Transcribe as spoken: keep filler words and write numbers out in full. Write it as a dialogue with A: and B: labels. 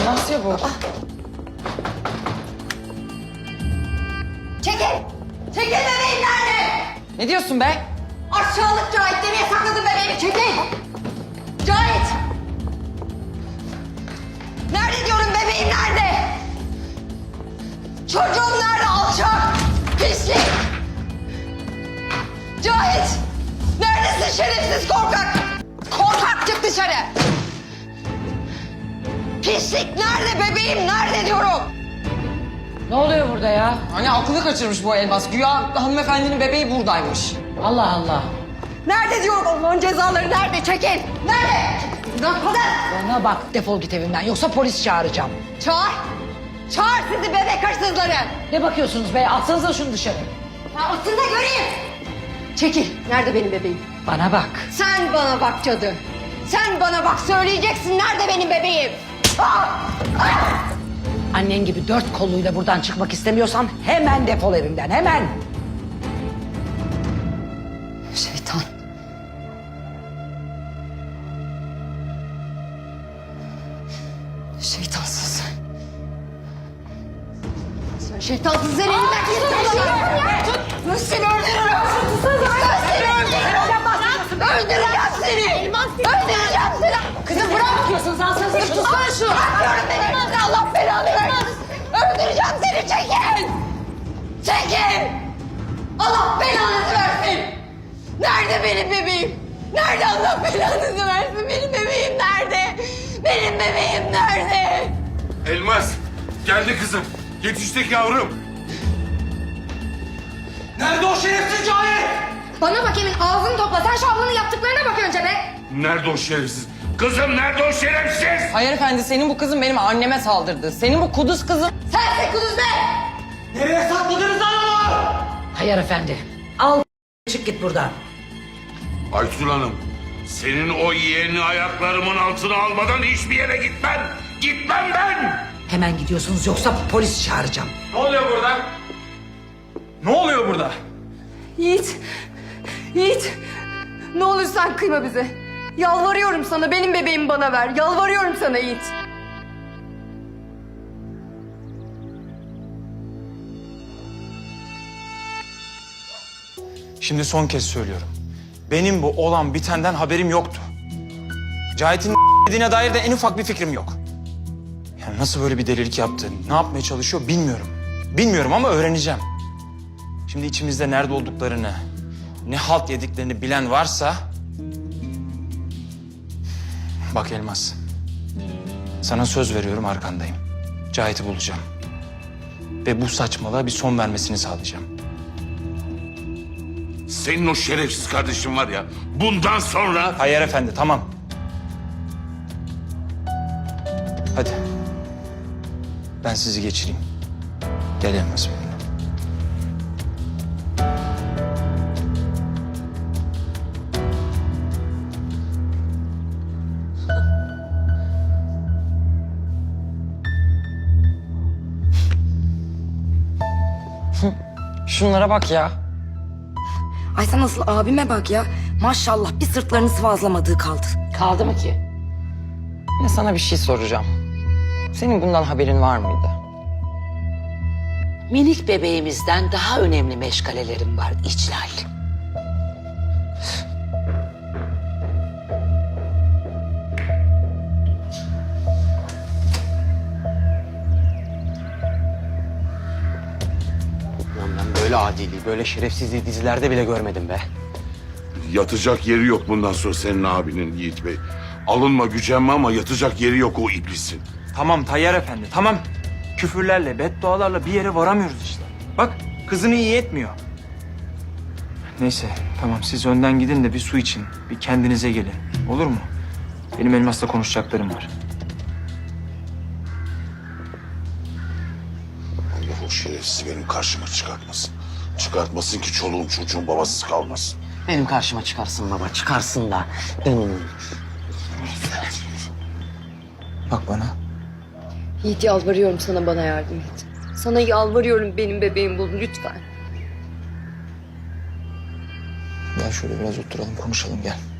A: Nasıl bu?
B: Çekil! Çekil bebeğim nerede?
A: Ne diyorsun be?
B: Aşağılık Cahit nereye sakladın bebeğimi? Çekil! Cahit! Nerede diyorum bebeğim nerede? Çocuğum nerede alçak? Pislik! Cahit! Neredesin şerefsiz korkak? Korkak çık dışarı! Pislik nerede bebeğim nerede diyorum?
A: Ne oluyor burada ya? Hani aklını kaçırmış bu Elmas. Güya hanımefendinin bebeği buradaymış. Allah Allah.
B: Nerede diyorum Allah'ın cezaları nerede? Çekil! Nerede? Lan kadın!
A: Bana bak, defol git evimden yoksa polis çağıracağım.
B: Çağır! Çağır sizi bebek hırsızları!
A: Ne bakıyorsunuz be? Atsanıza şunu dışarı.
B: Ya aslında göreyim! Çekil! Nerede benim bebeğim?
A: Bana bak.
B: Sen bana bak cadı! Sen bana bak söyleyeceksin nerede benim bebeğim? Ah! Ah!
A: Annen gibi dört kolluyla buradan çıkmak istemiyorsan hemen defol evimden, hemen.
B: Şeytan! Şeytansız. Sen şeytansız sen elinden tut! Ben seni öldürürüm! Ben seni öldürürüm! Öldüreceğim seni! Öldüreceğim seni! Kızım bırak!
A: Bakıyorsunuz, alsanıza şunu.
B: Tutsana şunu! Bırakıyorum beni! Allah belanı versin! Öldüreceğim seni! Çekil! Çekil! Allah belanızı versin! Nerede benim bebeğim? Nerede Allah belanızı versin? Benim bebeğim nerede? Benim bebeğim nerede?
C: Elmas, geldi kızım. Yetiştik yavrum.
D: Nerede o şerefsiz Cahit?
B: Bana bak Emin ağzını topla. Sen şu ablanın yaptıklarına bak önce be.
C: Nerede o şerefsiz? Kızım nerede o şerefsiz?
A: Hayır efendi, senin bu kızın benim anneme saldırdı. Senin bu kuduz kızın...
B: Sensin kuduz be.
D: Nereye sakladınız lan onu?
A: Hayır efendi. Al çık git buradan.
C: Aytül Hanım, senin o yeğeni ayaklarımın altına almadan hiçbir yere gitmem. Gitmem ben.
A: Hemen gidiyorsunuz yoksa polis çağıracağım.
D: Ne oluyor burada? Ne oluyor burada?
B: Yiğit. Yiğit. Ne olur sen kıyma bize. Yalvarıyorum sana benim bebeğimi bana ver. Yalvarıyorum sana Yiğit.
D: Şimdi son kez söylüyorum. Benim bu olan bitenden haberim yoktu. Cahit'in dediğine dair de en ufak bir fikrim yok. Yani nasıl böyle bir delilik yaptı, ne yapmaya çalışıyor bilmiyorum. Bilmiyorum ama öğreneceğim. Şimdi içimizde nerede olduklarını, ne halt yediklerini bilen varsa... Bak Elmas, sana söz veriyorum arkandayım. Cahit'i bulacağım. Ve bu saçmalığa bir son vermesini sağlayacağım.
C: Senin o şerefsiz kardeşin var ya, bundan sonra...
D: Hayır efendi, tamam. Hadi. Ben sizi geçireyim. Gel Elmas benimle.
A: Şunlara bak ya.
E: Ay sen nasıl abime bak ya. Maşallah bir sırtlarını sıvazlamadığı kaldı.
A: Kaldı mı ki? Ne sana bir şey soracağım. Senin bundan haberin var mıydı?
F: Minik bebeğimizden daha önemli meşgalelerim var İclal.
G: Lan ben böyle adiliği, böyle şerefsizliği dizilerde bile görmedim be.
C: Yatacak yeri yok bundan sonra senin abinin Yiğit Bey. Alınma gücenme ama yatacak yeri yok o iblisin.
D: Tamam Tayyar efendi, tamam. Küfürlerle, beddualarla bir yere varamıyoruz işte. Bak, kızını iyi etmiyor. Neyse, tamam siz önden gidin de bir su için, bir kendinize gelin. Olur mu? Benim Elmas'la konuşacaklarım var.
C: Allah o şerefsizi benim karşıma çıkartmasın. Çıkartmasın ki çoluğum çocuğum babasız kalmasın.
F: Benim karşıma çıkarsın baba, çıkarsın da. Hmm.
D: Bak bana.
B: Yiğit yalvarıyorum sana bana yardım et. Sana yalvarıyorum benim bebeğimi bul lütfen.
D: Gel şöyle biraz oturalım, konuşalım gel.